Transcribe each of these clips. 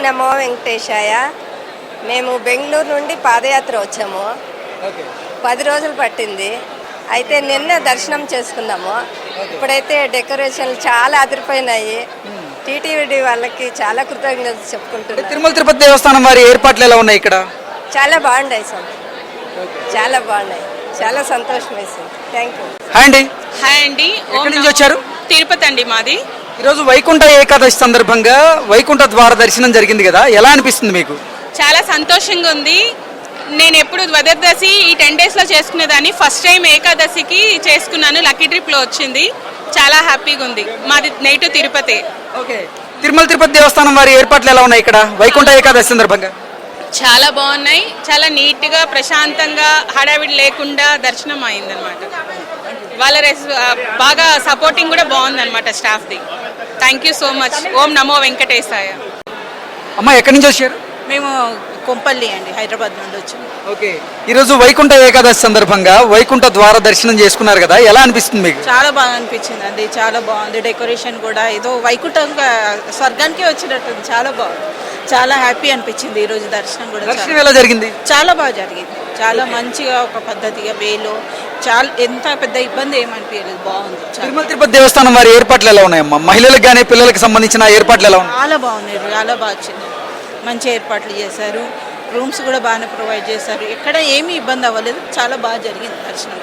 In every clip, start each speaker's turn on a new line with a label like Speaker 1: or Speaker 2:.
Speaker 1: నమో వెంకటేశాయ. మేము బెంగళూరు నుండి పాదయాత్ర వచ్చాము. 10 రోజులు పట్టింది. అయితే నిన్న దర్శనం చేసుకున్నాము. ఇప్పుడైతే డెకరేషన్లు చాలా అదిరిపోయినాయి. టీటీవీ వాళ్ళకి చాలా కృతజ్ఞతలు చెప్పుకుంటున్నాను.
Speaker 2: తిరుమల తిరుపతి దేవస్థానం వారి ఏర్పాట్లు ఎలా ఉన్నాయి ఇక్కడ?
Speaker 1: చాలా బాగున్నాయి సార్, చాలా బాగున్నాయి. చాలా సంతోషం వేసింది. Thank you.
Speaker 2: హాయ్ అండి.
Speaker 3: హాయ్ అండి.
Speaker 2: ఎక్కడి నుంచి వచ్చారు?
Speaker 3: తిరుపతి అండి మాది.
Speaker 2: ఈరోజు వైకుంఠ ఏకాదశి సందర్భంగా వైకుంఠ ద్వార దర్శనం జరిగింది కదా, ఎలా అనిపిస్తుంది మీకు?
Speaker 3: చాలా సంతోషంగా ఉంది. నేను ఎప్పుడు ద్వాదశి ఈ 10 డేస్లో చేసుకునేదాన్ని. ఫస్ట్ టైం ఏకాదశికి చేసుకున్నాను. లక్కీ ట్రిప్లో వచ్చింది. చాలా హ్యాపీగా ఉంది. మాది నేటివ్ తిరుపతి.
Speaker 2: ఓకే. తిరుమల తిరుపతి దేవస్థానం వారి ఏర్పాట్లు ఎలా ఉన్నాయి ఇక్కడ వైకుంఠ ఏకాదశి సందర్భంగా?
Speaker 3: చాలా బాగున్నాయి. చాలా నీట్గా ప్రశాంతంగా హడావిడి లేకుండా దర్శనం అయిందనమాట. వాళ్ళ బాగా సపోర్టింగ్ కూడా బాగుందన్నమాట స్టాఫ్ది. Thank you so much. ఓం నమో వెంకటేశాయ.
Speaker 2: అమ్మ ఎక్కడి నుంచి వచ్చారు?
Speaker 4: మేము కొంపల్లి అండి, హైదరాబాద్ నుండి వచ్చాము.
Speaker 2: ఓకే. ఈరోజు వైకుంఠ ఏకాదశి సందర్భంగా వైకుంఠ ద్వార దర్శనం చేసుకున్నారు కదా, ఎలా అనిపిస్తుంది మీకు?
Speaker 4: చాలా బాగా అనిపించింది అండి. చాలా బాగుంది. డెకరేషన్ కూడా ఏదో వైకుంఠంగా స్వర్గానికి వచ్చినట్టుంది. చాలా బాగుంది. చాలా హ్యాపీ అనిపించింది ఈరోజు దర్శనం కూడా.
Speaker 2: దర్శనం ఎలా జరిగింది?
Speaker 4: చాలా బాగా జరిగింది. చాలా మంచిగా ఒక పద్ధతిగా వేలో చాలా ఎంత పెద్ద ఇబ్బంది ఏమనిపించలేదు. బాగుంది.
Speaker 2: తిరుమల తిరుపతి దేవస్థానం వారి ఏర్పాట్లు ఎలా ఉన్నాయమ్మా? మహిళలకు కానీ పిల్లలకు సంబంధించిన ఏర్పాట్లు ఎలా ఉన్నాయి?
Speaker 4: చాలా బాగున్నాయి. చాలా బాగా వచ్చింది. మంచి ఏర్పాట్లు చేశారు. రూమ్స్ కూడా బాగానే ప్రొవైడ్ చేశారు. ఎక్కడ ఏమీ ఇబ్బంది అవ్వలేదు. చాలా బాగా జరిగింది దర్శనం.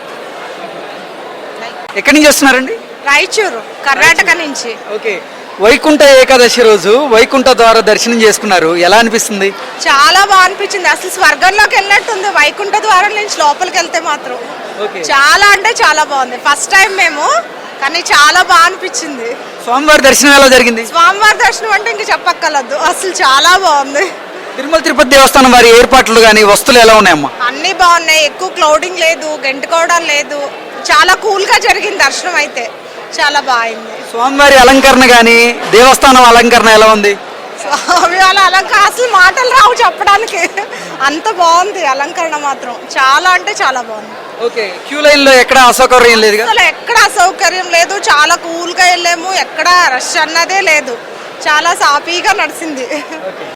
Speaker 2: ఎక్కడి నుంచి వస్తున్నారండి?
Speaker 4: రాయచూరు, కర్ణాటక నుంచి.
Speaker 2: ఓకే. వైకుంఠ ఏకాదశి రోజు వైకుంఠ ద్వార దర్శనం చేసుకున్నారు, ఎలా అనిపిస్తుంది?
Speaker 4: చాలా బాగా అనిపించింది. అసలు స్వర్గంలోకి వెళ్ళినట్టుంది వైకుంఠ ద్వారం నుంచి లోపలికి వెళ్తే మాత్రం. చాలా అంటే చాలా బాగుంది. ఫస్ట్ టైం మేము, కానీ చాలా బాగా అనిపించింది.
Speaker 2: స్వామివారి దర్శనం ఎలా జరిగింది?
Speaker 4: స్వామివారి దర్శనం అంటే ఇంక చెప్పక్కర్లేదు. అసలు చాలా బాగుంది.
Speaker 2: తిరుమల తిరుపతి దేవస్థానం వారి ఏర్పాట్లు కానీ వస్తువులు ఎలా ఉన్నాయమ్మా?
Speaker 4: అన్ని బాగున్నాయి. ఎక్కువ క్లౌడింగ్ లేదు, గెంటుకోవడం లేదు. చాలా కూల్ గా జరిగింది దర్శనం. అయితే చాలా బాగుంది.
Speaker 2: స్వామివారి అలంకరణ కానీ దేవస్థానం అలంకరణ ఎలా ఉంది?
Speaker 4: స్వామి వాళ్ళ అలంకరణ అసలు మాటలు రావు చెప్పడానికి. అంత బాగుంది అలంకరణ మాత్రం. చాలా అంటే చాలా బాగుంది.
Speaker 2: ఓకే. క్యూ లైన్ లో ఎక్కడ అసౌకర్యం లేదు?
Speaker 4: అసలు ఎక్కడ అసౌకర్యం లేదు. చాలా కూల్ గా వెళ్ళాము. ఎక్కడ రష్ అన్నదే లేదు. చాలా సాఫీగా నడిచింది.